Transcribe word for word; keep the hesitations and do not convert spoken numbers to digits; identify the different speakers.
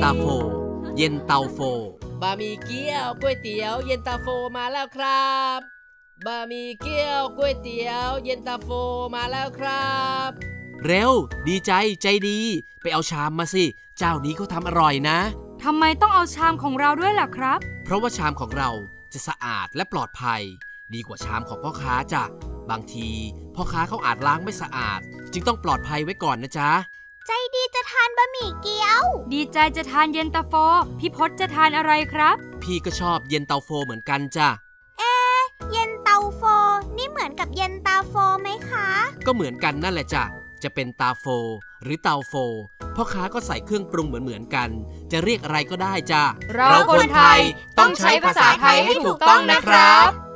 Speaker 1: าโฟเย็นเตาโฟ
Speaker 2: บะหมี่เกี๊ยวก๋วยเตี๋ยวเย็นตาโฟมาแล้วครับบะหมี่เกี๊ยวก๋วยเตี๋ยวเย็นตาโฟมาแล้วครับ
Speaker 1: เร็วดีใจใจดีไปเอาชามมาสิเจ้านี้เขาทำอร่อยนะ
Speaker 3: ทำไมต้องเอาชามของเราด้วยล่ะครับ
Speaker 1: เพราะว่าชามของเราจะสะอาดและปลอดภัยดีกว่าชามของพ่อค้าจ้ะบางทีพ่อค้าเขาอาจล้างไม่สะอาดจึงต้องปลอดภัยไว้ก่อนนะจ๊ะ
Speaker 4: ใจดีจะทานบะหมี่เกี๊ยว
Speaker 3: ดีใจจะทานเย็นตาโฟพี่พศจะทานอะไรครับ
Speaker 1: พี่ก็ชอบเย็นเตาโฟเหมือนกันจ้ะ
Speaker 4: เอ๊ะเย็นเตาโฟนี่เหมือนกับเย็นตาโฟไหมคะ
Speaker 1: ก็เหมือนกันนั่นแหละจ้ะจะเป็นตาโฟหรือเตาโฟพ่อค้าก็ใส่เครื่องปรุงเหมือนๆกันจะเรียกอะไรก็ได้จ้ะ
Speaker 3: เราคนไทยต้องใช้ภาษาไทยให้ถูกต้องนะครับ